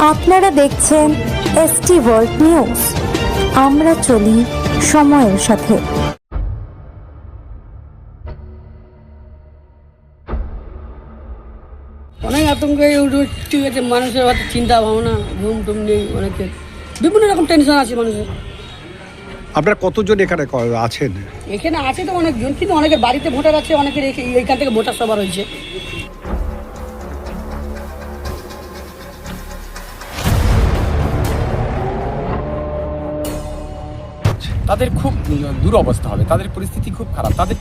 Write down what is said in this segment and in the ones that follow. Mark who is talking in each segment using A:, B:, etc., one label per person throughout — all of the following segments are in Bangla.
A: আপনারা দেখছেন এসটি ওয়ার্ল্ড নিউজ। আমরা চলি সময়ের সাথে।
B: অনেক আতঙ্ক ঠিক আছে, মানুষের হয়তো চিন্তা ভাবনা, ঘুম টুম নেই, অনেকের বিভিন্ন রকম টেনশন আছে মানুষের।
C: আপনারা কতজন এখানে আছেন?
B: এখানে আছে তো অনেকজন, কিন্তু অনেকের বাড়িতে ভোটার আছে, অনেকের এইখান থেকে ভোটার সভা রয়েছে।
D: তাদের খুব দুরবস্থা হবে, তাদের পরিস্থিতি খুব খারাপ। তাদের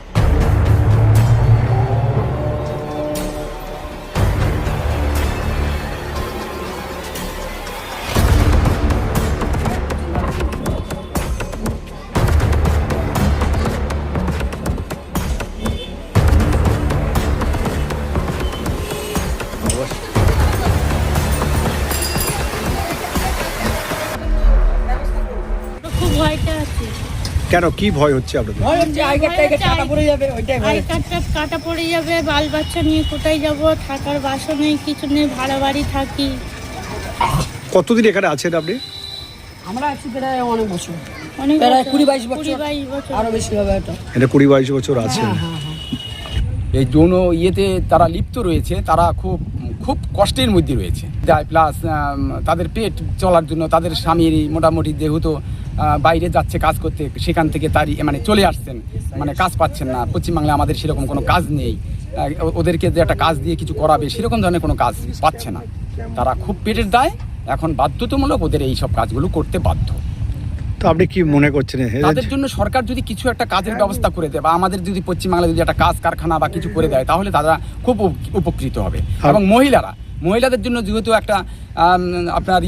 E: খুব ভয়টা আছে।
C: কেন, কি ভয় হচ্ছে আপনাদের?
B: ভয় হচ্ছে আই কার্ডটা কাটা পড়ে যাবে, ওইটাই ভয়।
E: আই কার্ডটা কাটা পড়ে যাবে, বাল বাচ্চা নিয়ে কোথায় যাব, থাকার বাসা নেই, কিছু নেই, ভাড়া বাড়ি থাকি।
C: কতদিন এখানে আছেন আপনি?
B: আমরা আছি প্রায় অনেক বছর,
E: অনেক
B: প্রায়
E: বছর,
B: 20-22 বছর,
E: 20-22 বছর।
B: আরো বেশি হবে এটা।
C: এখানে 20-22 বছর আছেন।
D: এই যৌন ইয়েতে তারা লিপ্ত রয়েছে, তারা খুব খুব কষ্টের মধ্যে রয়েছে। প্লাস তাদের পেট চলার জন্য তাদের স্বামীর মোটামুটি যেহেতু বাইরে যাচ্ছে কাজ করতে, সেখান থেকে তারই মানে চলে আসছেন, মানে কাজ পাচ্ছেন না। পশ্চিমবাংলায় আমাদের সেরকম কোনো কাজ নেই, ওদেরকে যে একটা কাজ দিয়ে কিছু করাবে সেরকম ধরনের কোনো কাজ পাচ্ছে না। তারা খুব পেটের দায়, এখন বাধ্যতামূলক ওদের এই সব কাজগুলো করতে বাধ্য।
C: তো আপনি কি মনে করছেন
D: তাদের জন্য সরকার যদি কিছু একটা কাজের ব্যবস্থা করে দেয়, বা আমাদের যদি পশ্চিমবাংলায় যদি একটা কাজ কারখানা বা কিছু করে দেয়, তাহলে তারা খুব উপকৃত হবে। এবং মহিলাদের জন্য যেহেতু একটা আপনার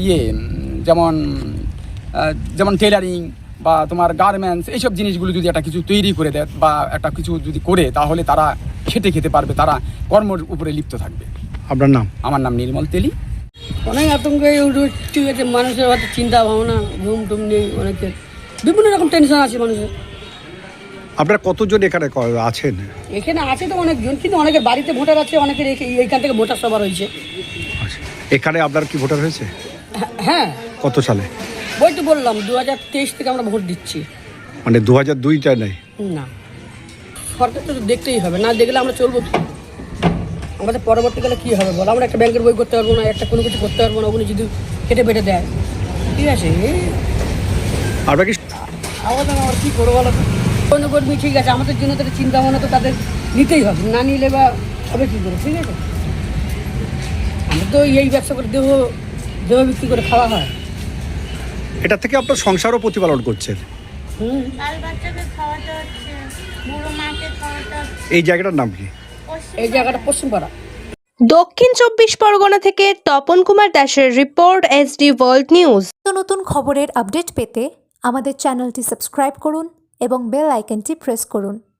D: যেমন টেলারিং বা তোমার গার্মেন্টস, এইসব জিনিসগুলো যদি একটা কিছু তৈরি করে দেয় বা একটা কিছু যদি করে, তাহলে তারা খেতে পারবে, তারা কর্মের উপরে লিপ্ত থাকবে।
C: আপনার নাম?
D: আমার নাম নির্মল তেলি।
B: অনেক আতঙ্ক ঠিক আছে, মানুষের হয়তো চিন্তা ভাবনা, ঘুম টুম নেই, অনেকের বিভিন্ন রকম টেনশন আছে মানুষের।
C: আপনারা কতজন এখানে আছেন?
B: এখানে আছে তো অনেকজন, কিন্তু অনেকের বাড়িতে ভোটার আছে, অনেকের এইখান থেকে ভোটার সভা রয়েছে।
C: এখানে আপনার কি ভোটার হয়েছে?
B: হ্যাঁ।
C: কত সালে?
B: ওই তো বললাম 2023 থেকে আমরা ভোট দিচ্ছি।
C: মানে 2002টা নেই?
B: না, সরকার তো দেখতেই হবে, না দেখলে আমরা চলবো কি? আমাদের পরবর্তীকালে কী হবে বলো? আমরা একটা ব্যাংকের বই করতে পারবো না, একটা কোনো কিছু করতে পারবো না, ওগুলো যদি কেটে পেটে দেয়, ঠিক আছে?
C: আপনারা কি
B: আমাদের আমার কী করবো বলো তো? কোনো কর্মী ঠিক আছে, আমাদের জন্য তাদের চিন্তা ভাবনা তো তাদের নিতেই হবে, না নিলে বা হবে কী করে, ঠিক আছে? আমরা তো এই ব্যবসা করে দেহ বিক্রি করে খাওয়া হয়।
C: এটা থেকে আপনার সংসারও প্রতিপালন করছেন?
E: বাল বাচ্চাকে খাওয়াতে হচ্ছে, বুড়ো মাকে খাওয়াতে হচ্ছে।
C: এই জায়গাটার নাম কি?
B: এই জায়গাটা পশ্চিমপাড়া।
F: দক্ষিণ 24 পরগনা থেকে তপন কুমার দাসের রিপোর্ট, এসডি ওয়ার্ল্ড নিউজ।
A: নতুন খবরের আপডেট পেতে আমাদের চ্যানেলটি সাবস্ক্রাইব করুন এবং বেল আইকনটি প্রেস করুন।